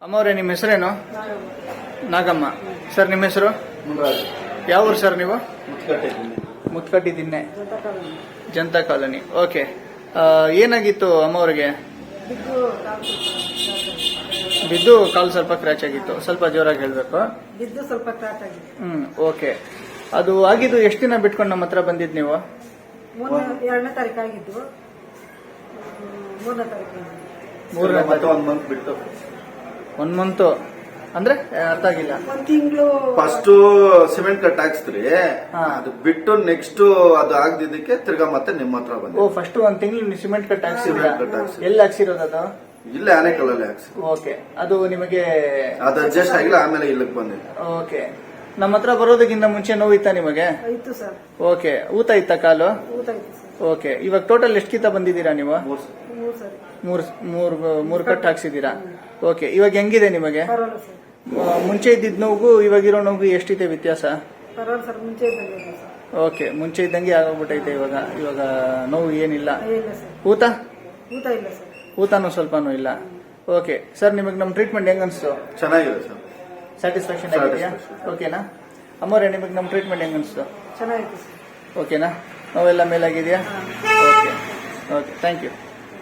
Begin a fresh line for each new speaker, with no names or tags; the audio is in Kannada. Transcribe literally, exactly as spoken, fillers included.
ಅಮ್ಮವ್ರೆ, ನಿಮ್ಮ ಹೆಸರೇನು? ನಾಗಮ್ಮ. ಸರ್, ನಿಮ್ಮ ಹೆಸರು? ಯಾವ ಊರು ಸರ್ ನೀವು? ಮುತ್ಕಟ್ಟಿ ದಿನ್ನೆ, ಜನತಾ ಕಾಲೋನಿ. ಓಕೆ. ಏನಾಗಿತ್ತು ಅಮ್ಮವ್ರಿಗೆ? ಬಿದ್ದು ಕಾಲು ಸ್ವಲ್ಪ ಕ್ರ್ಯಾಚ್ ಆಗಿತ್ತು. ಸ್ವಲ್ಪ ಜೋರಾಗಿ ಹೇಳ್ಬೇಕು.
ಬಿದ್ದು ಸ್ವಲ್ಪ ಕ್ರಾಚ್ ಆಗಿತ್ತು.
ಹ್ಮ್ ಓಕೆ. ಅದು ಆಗಿದ್ದು ಎಷ್ಟು ದಿನ ಬಿಟ್ಕೊಂಡು ನಮ್ಮ ಹತ್ರ ಬಂದಿದ್ ನೀವು?
ಎರಡನೇ ತಾರೀಕು ಆಗಿದ್ದು. ಮೂರನೇ ತಾರೀಕು
ಮೂರನೇ
ಮತ್ತೆ ಒಂದ್ ಮಂತ್ ಬಿಟ್ಟು
ಒನ್ ಮಂತ್ ಅಂದ್ರೆ ಅರ್ಥ ಆಗಿಲ್ಲ.
ಒಂದ್ ತಿಂಗಳು
ಫಸ್ಟ್ ಸಿಮೆಂಟ್ ಕಟ್ ಹಾಕ್ಸ್ತ್ರಿ,
ಹಾ.
ಅದು ಬಿಟ್ಟು ನೆಕ್ಸ್ಟ್ ಅದು ಆಗದಿದ್ದಕ್ಕೆ ತಿರ್ಗಾ ಮತ್ತೆ ನಿಮ್ಮ ಹತ್ರ
ಓ,
ಬಂದೆ.
ಫಸ್ಟ್ ಒಂದ್ ತಿಂಗಳು ಸಿಮೆಂಟ್ ಕಟ್ ಹಾಕ್ಸಿದ್ರ?
ಸಿಮೆಂಟ್ ಕಟ್ ಹಾಕ್ಸಿ
ಎಲ್ಲಿ ಹಾಕ್ಸಿರೋದು ಅದು?
ಇಲ್ಲೇ ಆನೆಕಲ್ಲಲ್ಲಿ ಹಾಕ್ಸಿ.
ಓಕೆ. ಅದು ನಿಮಗೆ
ಅದು ಅಡ್ಜಸ್ಟ್ ಆಗಿಲ್ಲ, ಆಮೇಲೆ ಇಲ್ಲಕ್ ಬಂದಿದೆ.
ಓಕೆ. ನಮ್ಮ ಹತ್ರ ಬರೋದಕ್ಕಿಂತ ಮುಂಚೆ ನೋವಿತ್ತಾ ನಿಮಗೆ?
ಇತ್ತು ಸರ್.
ಓಕೆ. ಊತ ಇತ್ತ ಕಾಲು?
ಊಟ ಇತ್ತು ಸರ್.
ಓಕೆ. ಇವಾಗ ಟೋಟಲ್ ಎಷ್ಟು ಕಿತ್ತ ಬಂದಿದ್ದೀರಾ ನೀವು?
ಮೂರ್ ಸಲ.
ಮೂರು ಸರಿ
ಮೂರ್ ಮೂರ್ ಮೂರ್ ಕಟ್ ಹಾಕ್ಸಿದ್ದೀರಾ? ಓಕೆ. ಇವಾಗ ಹೆಂಗಿದೆ ನಿಮಗೆ?
ಪರವಾಗಿಲ್ಲ ಸರ್.
ಆ, ಮುಂಚೆ ಇದ್ದಿದ್ ನೋವು ಇವಾಗಿರೋ ನೋವು ಎಷ್ಟಿದೆ ವ್ಯತ್ಯಾಸ?
ಪರವಾಗಿಲ್ಲ ಸರ್. ಮುಂಚೆ ಇದ್ದಂಗೆ ಇದೆ ಸರ್.
ಓಕೆ. ಮುಂಚೆ ಇದ್ದಂಗೆ ಆಗೋಗ್ಬಿಟ್ಟೈತೆ ಇವಾಗ. ಇವಾಗ ನೋವು ಏನಿಲ್ಲ.
ಇಲ್ಲ ಸರ್.
ಊತ
ಊಟ ಇಲ್ಲ ಸರ್.
ಊತನೂ ಸ್ವಲ್ಪನೂ ಇಲ್ಲ. ಓಕೆ. ಸರ್, ನಿಮಗೆ ನಮ್ಮ ಟ್ರೀಟ್ಮೆಂಟ್ ಹೆಂಗ್ ಅನ್ಸ್ತು?
ಚೆನ್ನಾಗಿದೆ ಸರ್.
ಸ್ಯಾಟಿಸ್ಫ್ಯಾಕ್ಷನ್ ಆಗಿದೆಯಾ? ಓಕೆನಾ? ಅಮ್ಮವ್ರೆ, ನಿಮಗೆ ನಮ್ಮ ಟ್ರೀಟ್ಮೆಂಟ್ ಹೆಂಗ್ ಅನ್ಸ್ತು?
ಚೆನ್ನಾಗಿತ್ತು ಸರ್.
ಓಕೆನಾ? ನೋವೆಲ್ಲ ಮೇಲಾಗಿದೆಯಾ? ಓಕೆ. ಓಕೆ. Thank you.